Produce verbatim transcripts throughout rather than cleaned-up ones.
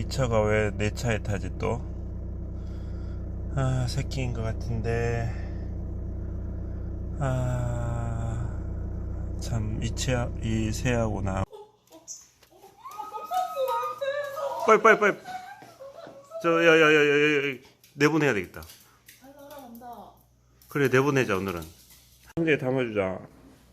차가 왜 내 차에 타지 또? 아, 새끼인 것 같은데. 아, 참, 이 차, 이 새하고 나. 빨리, 빨리, 빨리. 저, 야, 야, 야, 야, 야, 야. 내보내야 되겠다. 그래, 내보내자, 오늘은. 상자에 담아주자.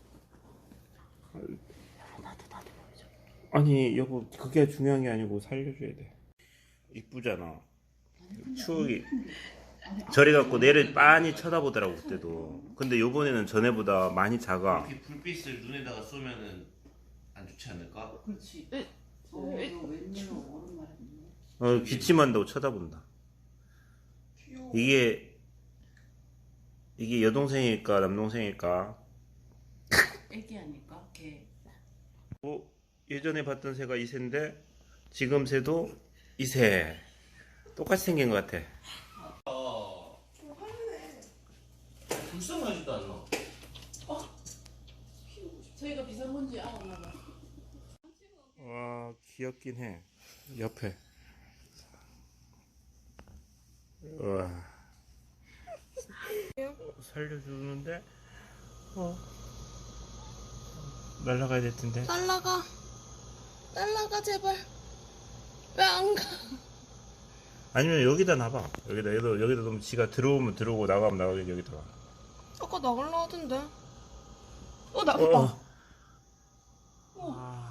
아니, 여보, 그게 중요한 게 아니고 살려줘야 돼. 이쁘잖아. 추억이. 저리 갖고 내를 빤히 쳐다보더라고, 그때도. 근데 요번에는 전에보다 많이 작아. 이렇게 불빛을 눈에다가 쏘면은 안 좋지 않을까? 그렇지. 어, 너 웬일로 오랜만에 했네. 어, 기침한다고 쳐다본다. 귀여워. 이게, 이게 여동생일까, 남동생일까? 애기 아닐까? 걔. 뭐, 예전에 봤던 새가 이 새인데, 지금 새도 이 새. 똑같이 생긴 것 같아. 아, 좀 화내네. 불쌍하지도 않나? 저희가 비상문제 아 엄마. 와, 귀엽긴 해. 옆에. 와. 살려주는데, 어. 날라가야 될 텐데. 날라가. 날라가 제발. 왜 안 가? 아니면 여기다 놔봐. 여기다, 여기다, 여기다 놓으면 지가 들어오면 들어오고 나가면 나가겠지, 여기다가. 아까 나갈라 하던데. 어 나가. 어. 어. 아.